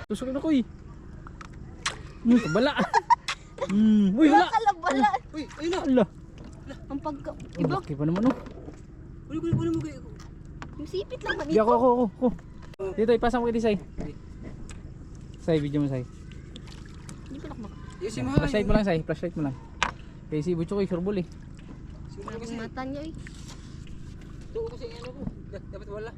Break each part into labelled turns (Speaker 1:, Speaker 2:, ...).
Speaker 1: Tusok na ko eh. Kabala. Uy, wala.
Speaker 2: Bala.
Speaker 3: Uy, ayun na.
Speaker 1: Ala.
Speaker 2: Ang pagka...
Speaker 1: Ang
Speaker 2: Iba,
Speaker 1: laki pa naman oh.
Speaker 3: Kunin mo kayo.
Speaker 2: yung sipit lang man
Speaker 1: Di
Speaker 2: ito.
Speaker 1: ako. Dito, ipasang mo kiti, Say. Say, video mo, Say.
Speaker 2: Hindi pa nakmak.
Speaker 3: Yusin mo.
Speaker 1: Flashlight mo lang, Say. Flashlight mo lang. Kaya si Butcho ko, surbol eh.
Speaker 2: Ang mata niya eh.
Speaker 3: Ito kasi ano ko. Dapat wala.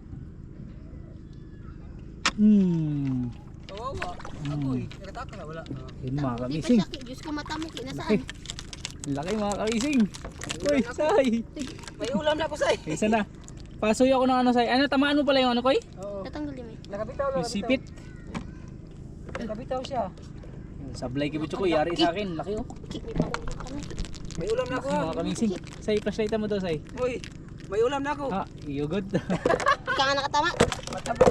Speaker 3: Kawawa. Ako eh. Nakataka na wala.
Speaker 1: Yun mga
Speaker 2: Di pa
Speaker 1: kamising.
Speaker 2: siya, Diyos ko mata mo, kinasaan.
Speaker 1: Laki mga kamising. Uy, Say.
Speaker 3: May ulam na ako, Say.
Speaker 1: Isa na. Pasoy ako ng ano, Say. Ano, tamaan mo pala yung ano, Koy?
Speaker 3: Oo.
Speaker 2: Tatanggalin mo eh.
Speaker 3: Nakabitaw.
Speaker 1: Yung sipit.
Speaker 3: Nakabitaw siya.
Speaker 1: Sablay kay Butcho ko, yari sa akin. Laki oh.
Speaker 2: May pangulong kami.
Speaker 3: May ulam na ako.
Speaker 1: Mga kamising. Say, flashlight mo daw, Say.
Speaker 3: Uy, may ulam na ako.
Speaker 1: Ah, you good?
Speaker 2: Ika nga nakatama.
Speaker 3: Mataba.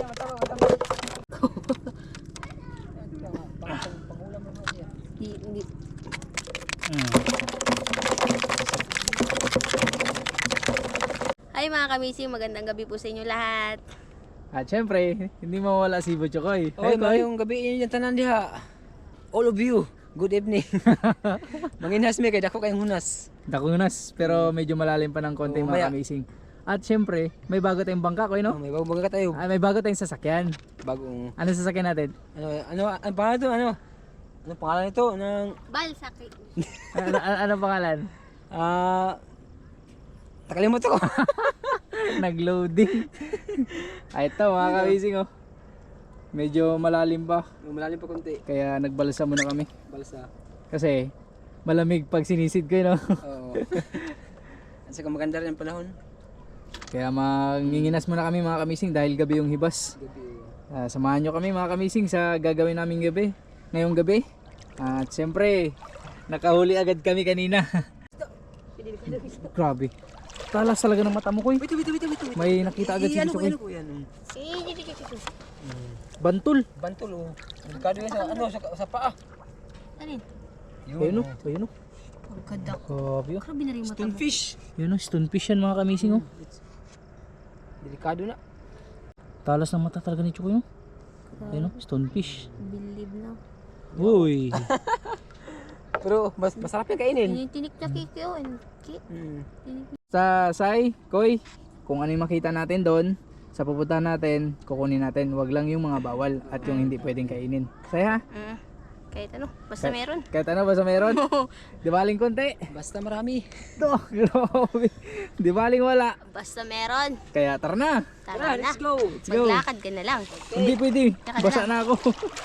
Speaker 3: Pangulam na siya.
Speaker 2: Hindi. Hi mga kamising, magandang gabi po sa inyo lahat.
Speaker 1: At syempre, hindi mawala si Butcho ko eh.
Speaker 3: Oy, mayong gabi inyo yung tanan diha. All of you, good evening. Manginhas mi kay dako kayong hunas.
Speaker 1: Dakunas, pero medyo malalim pa ng konti
Speaker 3: Oo,
Speaker 1: mga
Speaker 3: maya.
Speaker 1: kamising. At syempre, may bago tayong bangka ko, no?
Speaker 3: May bagong ka tayo.
Speaker 1: May bago tayong sasakyan.
Speaker 3: Bagong
Speaker 1: Ano sasakyan natin?
Speaker 3: ang pangalan to, ano? Ano pangalan nito ng
Speaker 2: Balsaki.
Speaker 1: Ano pangalan?
Speaker 3: nakalimutan ko.
Speaker 1: Nag-loading. Ay, ito mga kamising, oh. Medyo malalim pa.
Speaker 3: Malalim pa konti.
Speaker 1: Kaya nagbalsa muna kami.
Speaker 3: Balsa.
Speaker 1: Kasi malamig pag sinisid ko, no?
Speaker 3: Oo. Sa maganda rin ang panahon.
Speaker 1: Kaya manginginas muna kami mga kamising dahil gabi yung hibas.
Speaker 3: Gabi.
Speaker 1: Samahan nyo kami mga kamising sa gagawin naming gabi. Ngayong gabi. At siyempre, nakahuli agad kami kanina. Grabe. Talas talaga ng mata mo, Koy.
Speaker 3: Wait.
Speaker 1: May nakita agad si
Speaker 3: Ano
Speaker 1: Butcho, Koy.
Speaker 3: ko yan?
Speaker 1: Bantul.
Speaker 3: Bantul oh. Delikado yan sa ano sa paa.
Speaker 2: Alin?
Speaker 1: Ayun o. Ayun o.
Speaker 2: Pagkadak.
Speaker 1: Grabe o.
Speaker 2: Grabe na rin mata mo.
Speaker 3: Stonefish.
Speaker 1: Ayun o. Stonefish yan mga kamising o.
Speaker 3: Delikado na.
Speaker 1: Talas ng mata talaga ni Chukoy o. Ayun o. Stonefish.
Speaker 2: Believe na.
Speaker 1: Uy.
Speaker 3: Pero masarap yan kainin.
Speaker 2: Yung tinik na kiki o.
Speaker 1: Sa Sai, Koy, kung ano yung makita natin doon, sa pupuntahan natin, kukunin natin. Wag lang yung mga bawal at yung hindi pwedeng kainin. Sai ha?
Speaker 2: Kahit ano, basta meron.
Speaker 1: Kahit ano, basta meron. Di baling konti.
Speaker 3: Basta marami.
Speaker 1: Ito, grabe. Di baling wala.
Speaker 2: Basta meron.
Speaker 1: Kaya tara na.
Speaker 2: Tara na.
Speaker 3: Let's go.
Speaker 1: Let's go.
Speaker 2: Maglakad ka na lang.
Speaker 1: Hindi pwede.
Speaker 2: Tsaka
Speaker 1: Basa na ako.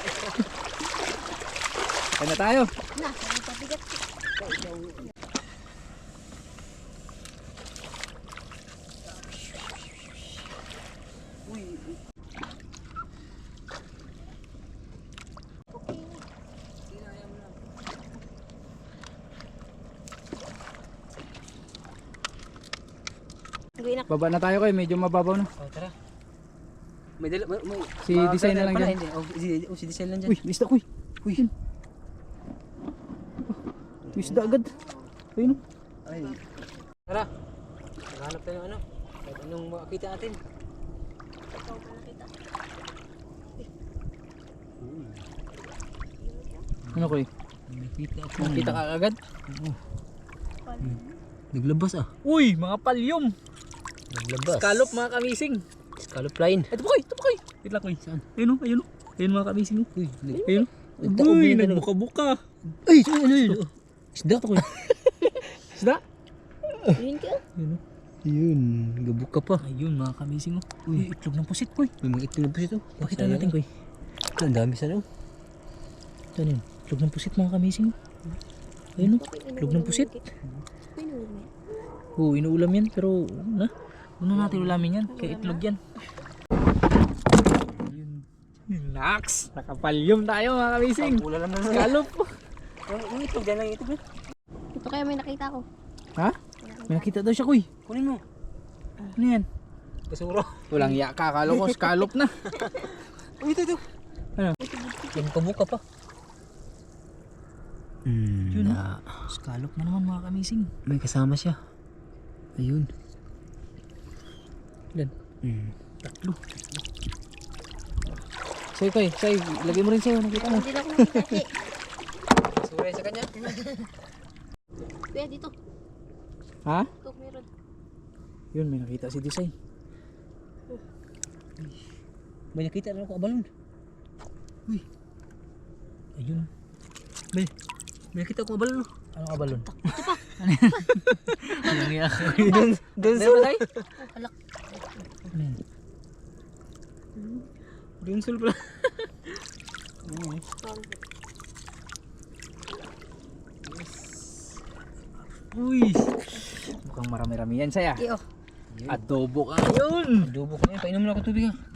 Speaker 1: Kaya na tayo.
Speaker 2: Na, ang pabigat.
Speaker 1: Baba na tayo, Koy. Medyo mababaw na.
Speaker 3: Oh, tara. May
Speaker 1: Si design na lang dyan.
Speaker 3: Si design lang dyan.
Speaker 1: Uy, isda, Koy. Uy. Uy, isda agad. Ayun o.
Speaker 3: Ay. Tara. Maghanap tayo ng ano. Kahit anong makakita natin.
Speaker 1: Ano, Koy? Nakita ka agad?
Speaker 3: Naglabas ah.
Speaker 1: Uy, mga palyom.
Speaker 3: Naglabas.
Speaker 1: Scallop mga kamising.
Speaker 3: Scallop line.
Speaker 1: Ito po, Koy. Ito po, Koy. Wait lang, Koy.
Speaker 3: Saan?
Speaker 1: Ayun o, ayun o. Ayun mga kamising o.
Speaker 3: Uy,
Speaker 1: Ayun o.
Speaker 3: Nagtaob
Speaker 1: Uy,
Speaker 3: yan, ano?
Speaker 1: nagbuka-buka.
Speaker 3: Ay, ano yun? Isda.
Speaker 1: Ito, Koy. Isda?
Speaker 2: Yun ka.
Speaker 1: Ayun o.
Speaker 3: Yun, gabuka pa.
Speaker 1: Ayun mga kamising o. Uy, itlog ng pusit, Koy.
Speaker 3: May mga itlog na po ito.
Speaker 1: Pakita natin, Koy.
Speaker 3: Ang dami sa ano.
Speaker 1: Ito yun. Itlog ng pusit mga kamising o. Ayun o. Itlog ng pusit. Oo, inuulam yan. Pero, una natin ulamin yan. Kaya itlog yan. Nax! Nakapalyom tayo mga kamising.
Speaker 3: Pula lang na.
Speaker 1: Scallop.
Speaker 3: Yung itlog, dyan lang yung itlog.
Speaker 2: Ito kaya may nakita ko.
Speaker 1: Ha? May nakita daw siya, Koy.
Speaker 3: Kunin mo.
Speaker 1: Ano yan?
Speaker 3: Basura.
Speaker 1: Walang iya ka. Akala ko scallop na.
Speaker 3: Uy, ito.
Speaker 1: Ano?
Speaker 3: Yung kabuka pa.
Speaker 1: Yun na. Scallop na naman mga kamising.
Speaker 3: May kasama siya. Ayun.
Speaker 1: Ilan? Tatlo. Sa'yo Koy, sa'yo. Lagay mo rin sa'yo. Nakita mo.
Speaker 2: Hindi na ako nakita. Eh,
Speaker 3: Suray sa kanya.
Speaker 2: kuya, dito.
Speaker 1: Ha?
Speaker 2: Ito, meron.
Speaker 1: Yun, may nakita si Disay.
Speaker 3: May nakita na ako abalon. Uy,
Speaker 1: Ayun.
Speaker 3: may nakita ako abalon.
Speaker 1: Anong abalon?
Speaker 2: Ito pa.
Speaker 1: Anong iyak?
Speaker 3: Doon
Speaker 1: Meron ba tayo?
Speaker 2: Oh, alak.
Speaker 1: Ano yan?
Speaker 3: Doon sul pala.
Speaker 1: Uy! Mukhang marami-rami yan, Saya.
Speaker 2: Iyo.
Speaker 1: Adobo ka yun!
Speaker 3: Adobo ko na. Painom na ako tubig ha.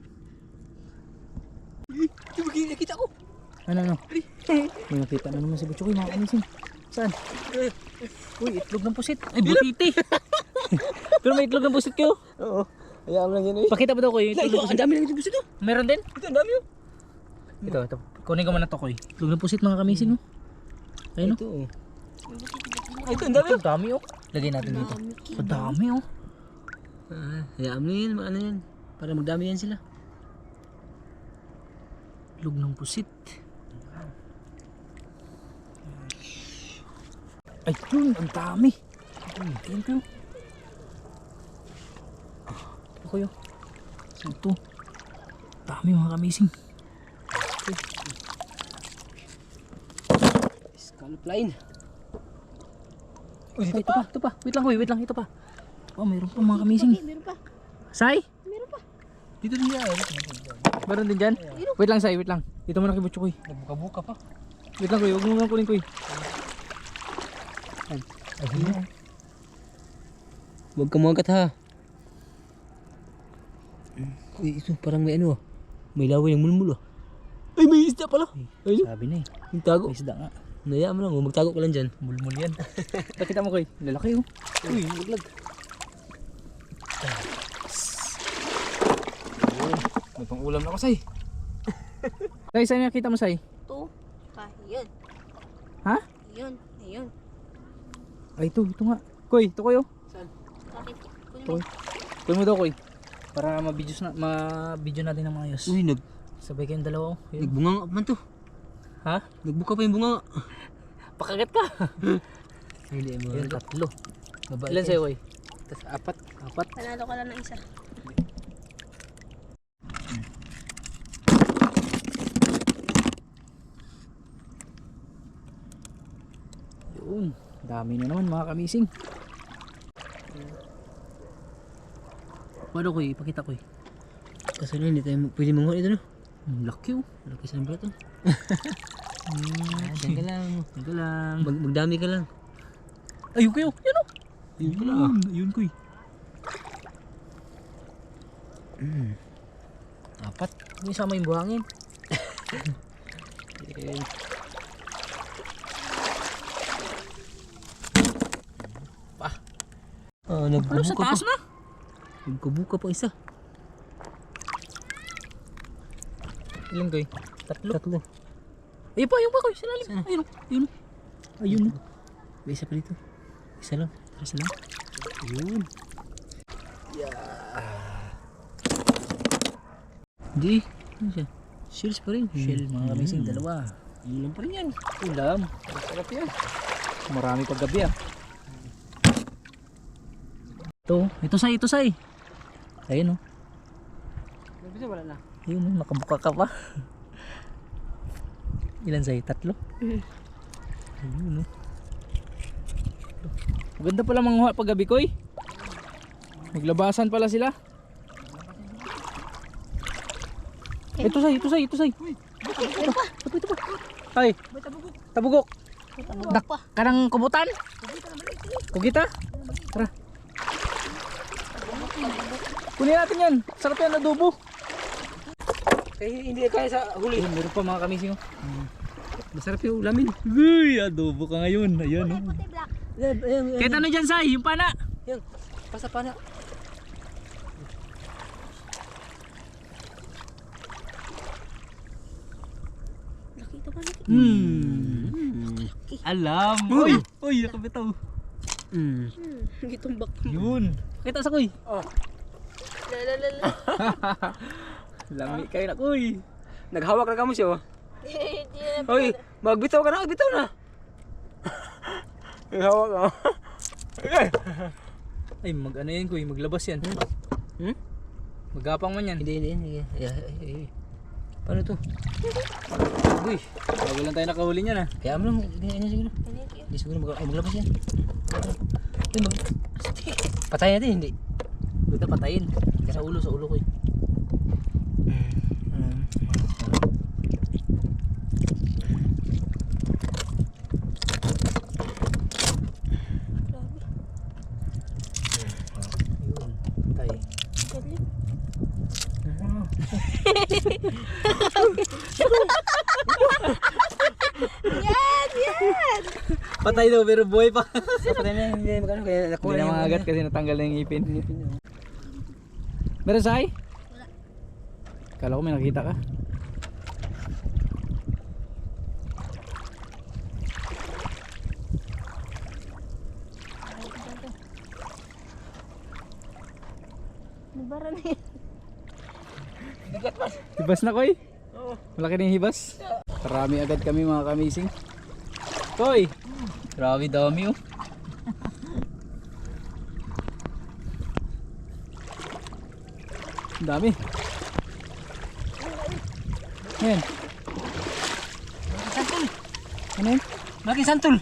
Speaker 3: Uy, nakita ko.
Speaker 1: Ano? May nakita na naman si Butchoy, mga kamising. Saan? Uy, itlog ng pusit. Ay, butiti! Pero may itlog ng pusit kayo.
Speaker 3: Oo. Hayaan mo lang yan eh.
Speaker 1: Pakita mo daw ko yung itlog ng
Speaker 3: Ang
Speaker 1: pusit.
Speaker 3: dami lang ito gusto to.
Speaker 1: Meron din?
Speaker 3: Ito, ang dami oh.
Speaker 1: Ito. Kunin ko muna to, Koy. Itlog ng pusit, mga kamising. Oh. Ayun,
Speaker 3: Ito oh.
Speaker 1: Ay, ito, ang dami. Ito, dami, oh. Lagay natin dito. Ang dami, oh.
Speaker 3: Hayaan mo yan. Ano yan. Para magdami yan sila.
Speaker 1: Itlog ng pusit. Ay, yun, ang dami. Thank you. Ito ko yun. Ito. Dami mga kamising.
Speaker 3: Scallop line.
Speaker 1: Uy, ito pa. Wait lang, Koy, wait lang, ito pa. Oh, mayroon pa mga kamising.
Speaker 2: Meron pa.
Speaker 1: Sai?
Speaker 2: Meron pa.
Speaker 3: Dito din yan.
Speaker 1: Meron din dyan? Wait lang, Sai, wait lang. Dito muna kay Butchoy.
Speaker 3: Nagbuka-buka pa.
Speaker 1: Wait lang, Koy, huwag mo nga kunin, Koy. Ayun.
Speaker 3: Huwag ka muagat ha. Uy, ito parang may ano ah. May laway ng mulmul ah. Ay, may isda pala. Ayun.
Speaker 1: Sabi na eh.
Speaker 3: Yung tago.
Speaker 1: May isda nga.
Speaker 3: Nayaan mo lang oh. Magtago ka lang dyan.
Speaker 1: Mulmul yan. Nakita mo, Koy. Lalaki, oh.
Speaker 3: Uy, maglag.
Speaker 1: May pang ulam na ako, Sai. Sai, saan nakita mo, Sai?
Speaker 2: Ito. Pa, yun.
Speaker 1: Ha?
Speaker 2: Yun. Ayun.
Speaker 1: Ay, ito nga. Koy, ito kayo.
Speaker 2: Bakit? Kunin
Speaker 1: Ito,
Speaker 2: mo.
Speaker 1: Koy. Kunin mo daw, Koy. Para ma-video natin ng maayos.
Speaker 3: Uy,
Speaker 1: Sabay kayong dalawa, oh. Yun.
Speaker 3: nagbunga nga man to.
Speaker 1: Ha?
Speaker 3: Nagbuka pa yung bunga.
Speaker 1: Pakagat ka.
Speaker 3: Hindi mo.
Speaker 1: Yun, tatlo.
Speaker 3: Mabait
Speaker 1: Ilan
Speaker 3: yan.
Speaker 1: sa'yo, Koy?
Speaker 3: Tas apat.
Speaker 1: Apat.
Speaker 2: Panalo ka lang ng isa.
Speaker 1: Yun. Dami na naman, mga kamising. Paano, Koy? Ipakita, Koy.
Speaker 3: Kaso na hindi tayo pwede manguha ito no.
Speaker 1: Ang laki, oh.
Speaker 3: Laki sa nambra to.
Speaker 1: Diyan
Speaker 3: Diyan ka lang.
Speaker 1: ka lang.
Speaker 3: Magdami ka lang.
Speaker 1: Ayun, Koy, oh. Yun, oh.
Speaker 3: Yun pala ah.
Speaker 1: Ayun, Koy.
Speaker 3: Apat.
Speaker 1: May sama yung buhangin.
Speaker 3: Ah,
Speaker 1: Ano,
Speaker 3: nagbubuka
Speaker 1: sa
Speaker 3: pa.
Speaker 1: taas na?
Speaker 3: Nagbubuka pa isa.
Speaker 1: Ilan, Koy? Tatlo.
Speaker 3: Tatlo.
Speaker 1: Ayun pa, Koy. Sa lalim.
Speaker 3: Saan?
Speaker 1: Ayun, oh. Ayun, oh. Ayun, oh.
Speaker 3: May isa pa dito. Isa lang.
Speaker 1: Isa lang.
Speaker 3: Yun. Hindi. Ano siya? Shells pa rin.
Speaker 1: Shell, mga kamising, dalawa.
Speaker 3: Yun lang pa rin yan.
Speaker 1: Ulam.
Speaker 3: Sarap yan.
Speaker 1: Marami pag gabi, ah. Ito say. Ayun, oh.
Speaker 3: Bisa wala na.
Speaker 1: Ayun, oh. Nakabuka ka pa. Ilan say? Tatlo? Ayun, oh. Maganda pala manguha pag gabi, Koy. Maglabasan pala sila. Ito say. Ito pa. Ay, tabugok. Dak, kanang kubutan? Kugita? Tara. Kunin natin yan. Sarap yan, adobo.
Speaker 3: Kaya hindi kaya sa huli.
Speaker 1: Ayun, meron pa mga kamising, oh.
Speaker 3: Masarap yung ulamin.
Speaker 1: Uy, adobo ka ngayon. Ayan, oh.
Speaker 2: Puti black.
Speaker 3: Ayan.
Speaker 1: Kahit ano dyan, say, yung pana.
Speaker 3: Yan. Pasa pa na.
Speaker 2: Nakita ba natin?
Speaker 1: Alam. Uy, nakabitaw.
Speaker 2: Gitumbak.
Speaker 1: Yun. Kita sa kuy.
Speaker 2: Lalalala.
Speaker 1: Lami kayo na kuy.
Speaker 3: Naghawak na kamo siya. Hoy, magbitaw ka na, magbitaw na. Naghawak ka.
Speaker 1: Ay, ano yan kuy, maglabas yan. Magapang man yan.
Speaker 3: Hindi. Paano to? Uy,
Speaker 1: Bago lang tayo nakahuli niyan ah.
Speaker 3: kaya mo lang, ganyan siguro. Hindi siguro maglabas yan. Uy, patayin natin, hindi.
Speaker 1: Buta patayin. Sa ulo ko eh. Patay.
Speaker 2: Yan!
Speaker 1: Patay daw pero buhay pa.
Speaker 3: Patayin na, hindi magano, kaya
Speaker 1: Hindi
Speaker 3: nakuha
Speaker 1: na
Speaker 3: yung
Speaker 1: makagat kasi natanggal na yung ipin. Meron say?
Speaker 2: Wala.
Speaker 1: Kala ko may nakita ka.
Speaker 2: Nabara na yan.
Speaker 1: Hibas na koy? Oo. Malaki na yung hibas. Marami agad kami mga kamising. Koy! Grabe dami oh. Ang dami. Ayan.
Speaker 3: santol.
Speaker 1: Ano yun?
Speaker 3: Malaki santol.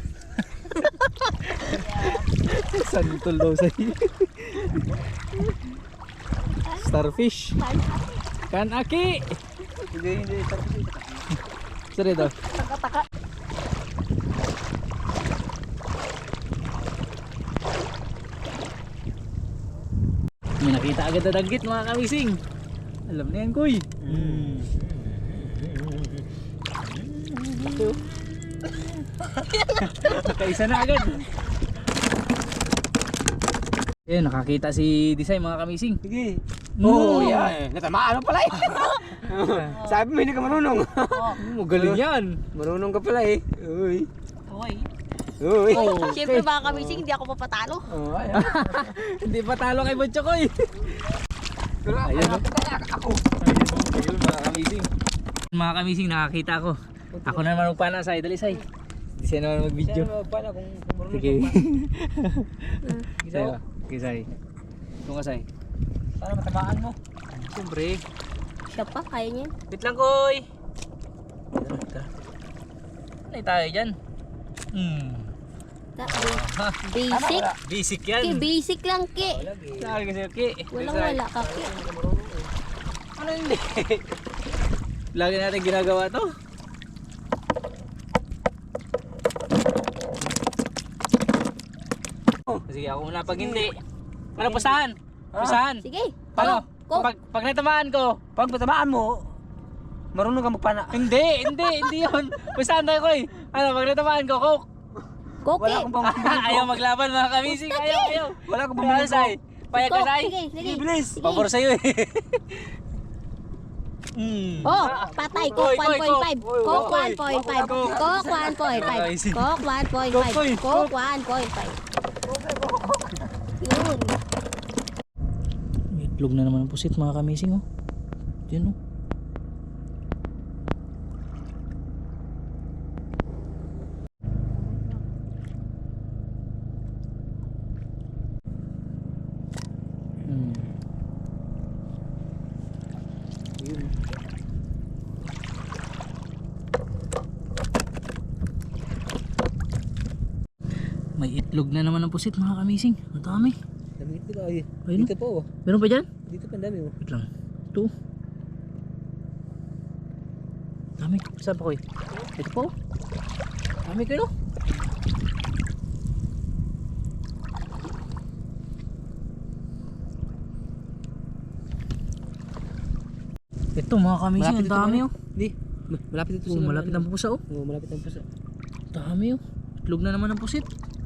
Speaker 1: Santol daw sa'yo. Starfish. Kanaki!
Speaker 3: Hindi.
Speaker 1: Sorry daw.
Speaker 2: Taka-taka.
Speaker 1: May nakita agad na danggit mga kamising. Alam na yan kuy. Nakaisa na agad. Ayun, nakakita si Disay mga kamising.
Speaker 3: Sige.
Speaker 1: No.
Speaker 3: Oh, yan. Natamaan mo pala eh. Sabi mo hindi ka marunong.
Speaker 1: Magaling yan.
Speaker 3: Marunong ka pala eh. Uy.
Speaker 2: Hoy.
Speaker 3: Uy.
Speaker 1: Oh,
Speaker 2: Siyempre mga kamising, hindi ako papatalo.
Speaker 3: Oh, ayan.
Speaker 1: Hindi pa talo kay Butchokoy.
Speaker 3: Pero
Speaker 1: Ayan,
Speaker 3: ako, ako.
Speaker 1: Ayun mga kamising. Mga kamising, nakakita ko. Ako na naman magpana sa Dali Say. Hindi siya naman mag-video.
Speaker 3: Paano kung marunong
Speaker 1: Sige.
Speaker 3: ka
Speaker 1: Say ba? Okay, Say. Ito ka, Say.
Speaker 3: Para matamaan mo.
Speaker 1: Siyempre.
Speaker 2: Siya pa, kaya niya.
Speaker 1: Wait lang, Koy. Ano tayo dyan?
Speaker 2: Basic.
Speaker 1: Basic
Speaker 2: Ki,
Speaker 1: yan.
Speaker 2: basic lang ki.
Speaker 1: Saan kasi, okay.
Speaker 2: Walang wala ka ki.
Speaker 1: Ano hindi? Lagi natin ginagawa to. Sige, ako muna pag hindi. Ano, pustahan? Pustahan?
Speaker 2: Sige.
Speaker 1: Paano?
Speaker 2: Go.
Speaker 1: Pag natamaan ko,
Speaker 3: Pag matamaan mo, marunong ka magpana.
Speaker 1: hindi yun. Pustahan tayo, Koy. Ano, pag natamaan ko, coke.
Speaker 2: Go ki.
Speaker 3: Wala akong pambili.
Speaker 1: Ayaw maglaban mga kamising, ayaw.
Speaker 3: Wala akong
Speaker 1: Ano,
Speaker 3: pambili.
Speaker 1: Say? Payag ka,
Speaker 2: Go.
Speaker 1: Say?
Speaker 2: Sige, sige.
Speaker 3: Bilis.
Speaker 2: Sige.
Speaker 1: Pabor sa'yo eh.
Speaker 2: Oh, patay.
Speaker 1: Koy,
Speaker 2: Coke
Speaker 1: Koy,
Speaker 2: 1.5.
Speaker 1: Koy.
Speaker 2: Coke
Speaker 1: Koy.
Speaker 2: 1.5.
Speaker 1: Koy.
Speaker 2: Coke 1.5. Coke 1.5.
Speaker 1: Koy.
Speaker 2: Coke 1.5. Yun.
Speaker 1: May itlog na naman ang pusit mga kamising oh. Yan oh. Yun. May itlog na naman ang pusit mga kamising. Ang dami.
Speaker 3: Dami ito ka. Ay.
Speaker 1: Ayun.
Speaker 3: Dito pa oh.
Speaker 1: Meron pa dyan?
Speaker 3: Dito pa ang dami oh.
Speaker 1: Wait lang. Ito. Dami. Saan pa ko eh? Ito po. Dami kayo no? Ito mga kamising. Ang dami oh.
Speaker 3: Di. Malapit ito
Speaker 1: Oh,
Speaker 3: sila.
Speaker 1: malapit ang pusa oh.
Speaker 3: Oh, malapit ang pusa.
Speaker 1: Dami oh. Itlog na naman ang pusit.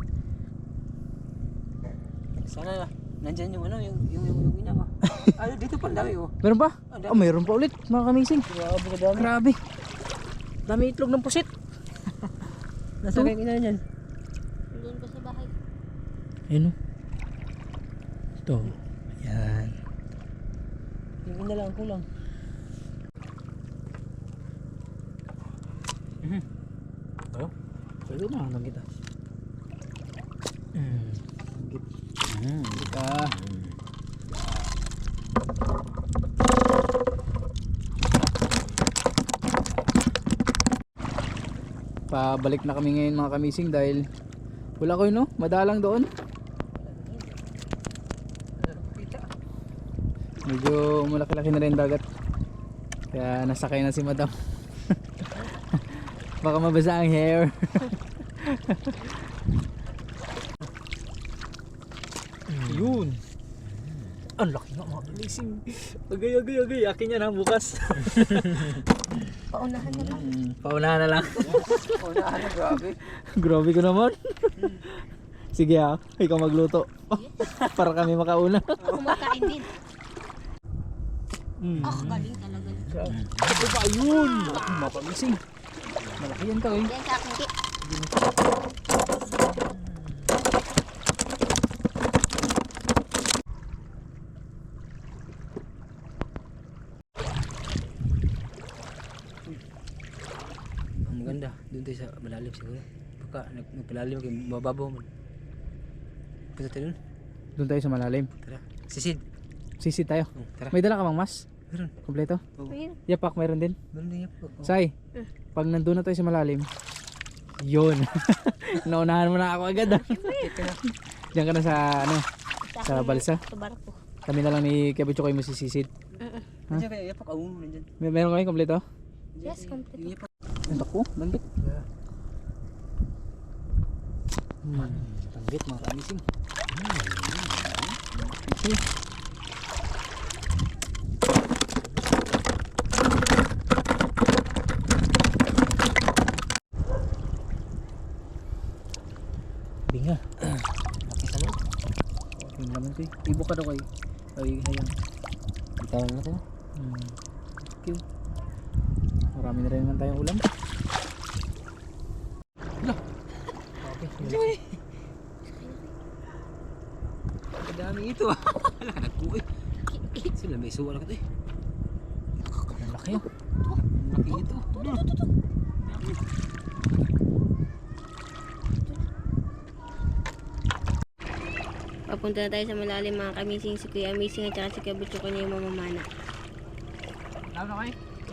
Speaker 3: Sana nandyan yung ano, yung inama. Ay, dito pa ang dami oh.
Speaker 1: Meron pa?
Speaker 3: Ang dami.
Speaker 1: Oh, meron pa ulit mga kamising.
Speaker 3: Grabe ka dami.
Speaker 1: Grabe. Dami itlog ng pusit.
Speaker 3: Nasa kayong ina niyan.
Speaker 2: Doon ko sa bahay.
Speaker 1: Ayun oh. Ito. Ayan.
Speaker 3: Yung ina lang, kulang.
Speaker 1: Oh, pwede na lang kita. Kita. Pabalik na kami ngayon mga kamising dahil wala ko yun, no? Madalang doon. Medyo malaki-laki na rin dagat. Kaya nasakay na si madam. Baka mabasa ang hair. Yun. Ang laki nga mga kamising. Agay. Akin yan ha bukas.
Speaker 2: Paunahan na lang.
Speaker 1: Paunahan na lang.
Speaker 3: Unahan na, grabe.
Speaker 1: Grabe ko naman. Sige ha, ikaw magluto. Para kami makauna.
Speaker 2: Kumakain din. Galing talaga.
Speaker 1: Ano ba yun? Mapamising. Malaki yan to eh.
Speaker 2: Yan sa akin, Ki.
Speaker 3: Ang maganda, doon tayo sa malalim siguro. Pagka nagpalalim kayo, mababaw mo. Punta tayo doon.
Speaker 1: Doon tayo sa malalim.
Speaker 3: Tara. Sisid.
Speaker 1: Sisid tayo.
Speaker 3: Tara.
Speaker 1: May dala ka bang mas?
Speaker 3: Meron.
Speaker 1: Kompleto?
Speaker 2: Ayun.
Speaker 1: Yapak, meron din.
Speaker 3: Meron din yan po.
Speaker 1: Say, pag nandun na tayo sa malalim, yun. Naunahan mo na ako agad ah. Diyan ka na sa ano, sa balsa.
Speaker 2: Sa barko.
Speaker 1: Kami na lang ni Kebutcho kayo masisisid.
Speaker 3: Nandiyan kayo, yapak. Nandiyan.
Speaker 1: Meron kami kompleto?
Speaker 2: Yes, complete.
Speaker 3: Yapak.
Speaker 1: Ang tako, langgit. Langgit mga kamising. Okay. Binga. Laki sa loob. Yung laman to eh. Ibo ka daw kayo. Ay, hayang.
Speaker 3: Bitawan na tayo.
Speaker 1: Thank you. Marami na rin naman tayong ulam. Okay.
Speaker 3: Ang dami ito ah. Wala ka nagkuhi. Sila may suwa na ka ito eh.
Speaker 1: Ang laki oh.
Speaker 3: Ang laki ito.
Speaker 2: Papunta na tayo sa malalim mga kamising. Si Kuya Amazing at saka si Kuya Butcho ko niya yung mamamana.
Speaker 1: Lalo na kayo?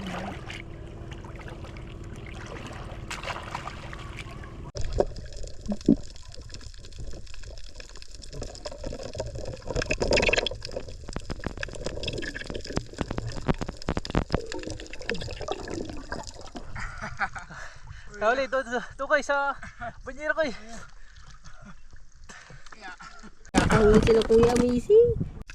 Speaker 1: Kawali, ito kayo sa banyera kayo.
Speaker 2: Kakawin sila Kuya Amazing.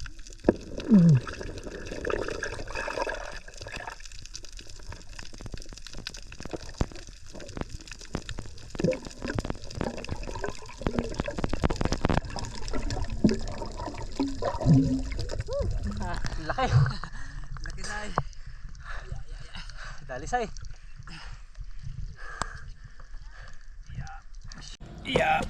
Speaker 1: Laki. Laki say. Dali say. Yeah.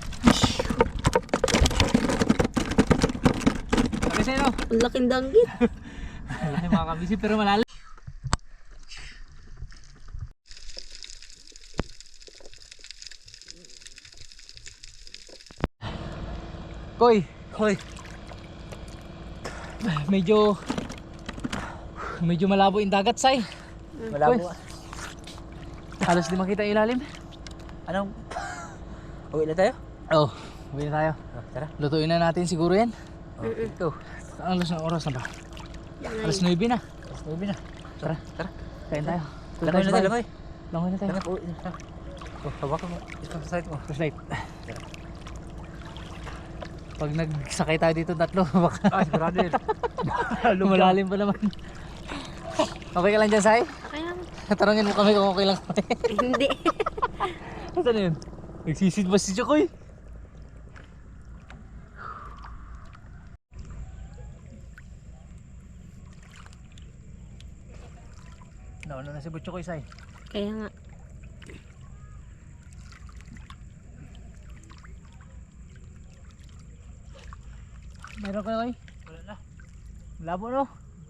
Speaker 1: Laki say no?
Speaker 2: Ang laking danggit.
Speaker 1: Laki mga kabisi pero malalim. Koy. Medyo malabo yung dagat say.
Speaker 3: Malabo.
Speaker 1: Halos di makita yung ilalim.
Speaker 3: Anong? Uwi na tayo?
Speaker 1: Oh, uwi na tayo.
Speaker 3: Tara.
Speaker 1: Lutuin na natin siguro yan.
Speaker 3: Ito.
Speaker 1: Ang oras na ba? Alas 9 na.
Speaker 3: Alas 9 na.
Speaker 1: Tara. Kain tayo.
Speaker 3: Langoy na tayo, langoy.
Speaker 1: Langoy na tayo.
Speaker 3: Uwi na. Oh, hawakan mo. Isang sa side mo.
Speaker 1: Flashlight. Pag nagsakay tayo dito tatlo, baka
Speaker 3: Sigurado yun.
Speaker 1: lumalalim pa naman. Okay ka lang dyan, Sai?
Speaker 2: Okay lang.
Speaker 1: Tanungin mo kami kung okay lang kami.
Speaker 2: Hindi.
Speaker 1: Saan na yun? Nagsisid ba si Chokoy? Nauna na si Butchokoy, Sai.
Speaker 2: Kaya nga.
Speaker 1: Meron ka na kayo? Wala na. Labo no?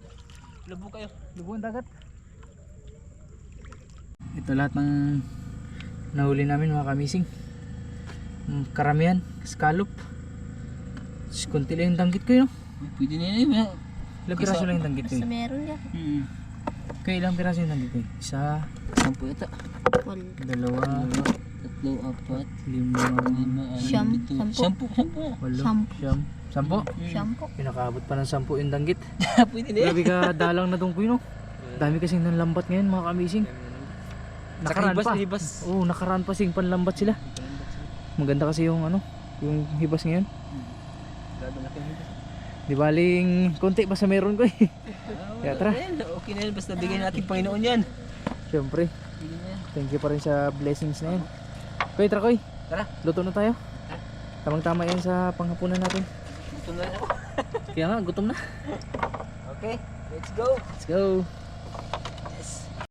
Speaker 1: Labo kayo. Labo ang dagat. Ito lahat ng nahuli namin mga kamising. Karamihan, scallop. Kunti lang yung danggit ko yun.
Speaker 3: Pwede na yun.
Speaker 1: Ilang piraso lang yung danggit ko
Speaker 2: Basta
Speaker 1: yun.
Speaker 2: meron yan.
Speaker 1: Kaya ilang piraso yung danggit ko yun? Isa,
Speaker 3: 10 yata.
Speaker 2: Wal.
Speaker 1: dalawa,
Speaker 3: 3, 4,
Speaker 1: 5,
Speaker 3: 5,
Speaker 2: Siyam,
Speaker 3: 7, 10.
Speaker 1: 8,
Speaker 2: Sampu.
Speaker 1: 10.
Speaker 2: Shampoo.
Speaker 1: Pinakaabot pa ng 10 yung danggit.
Speaker 3: Pwede na yun.
Speaker 1: Grabe ka dalang na tong kuy no. Dami kasing nanlambat ngayon mga kamising. Nakaraan pa.
Speaker 3: Hibas.
Speaker 1: Oo, nakaraan pa sing panlambat sila. Maganda kasi yung ano, yung hibas ngayon.
Speaker 3: Grabe laki ng hibas.
Speaker 1: Di baling konti basta meron ko eh. Kaya tara.
Speaker 3: Okay na yan. Basta bigyan natin Panginoon yan.
Speaker 1: Siyempre, thank you pa rin sa blessings na yan. Koy, tara koy.
Speaker 3: Tara.
Speaker 1: Luto na tayo. Tamang-tama yan sa panghapunan natin.
Speaker 3: Gutom na rin ako.
Speaker 1: Kaya nga, gutom na.
Speaker 3: Okay, let's go.
Speaker 1: Let's go.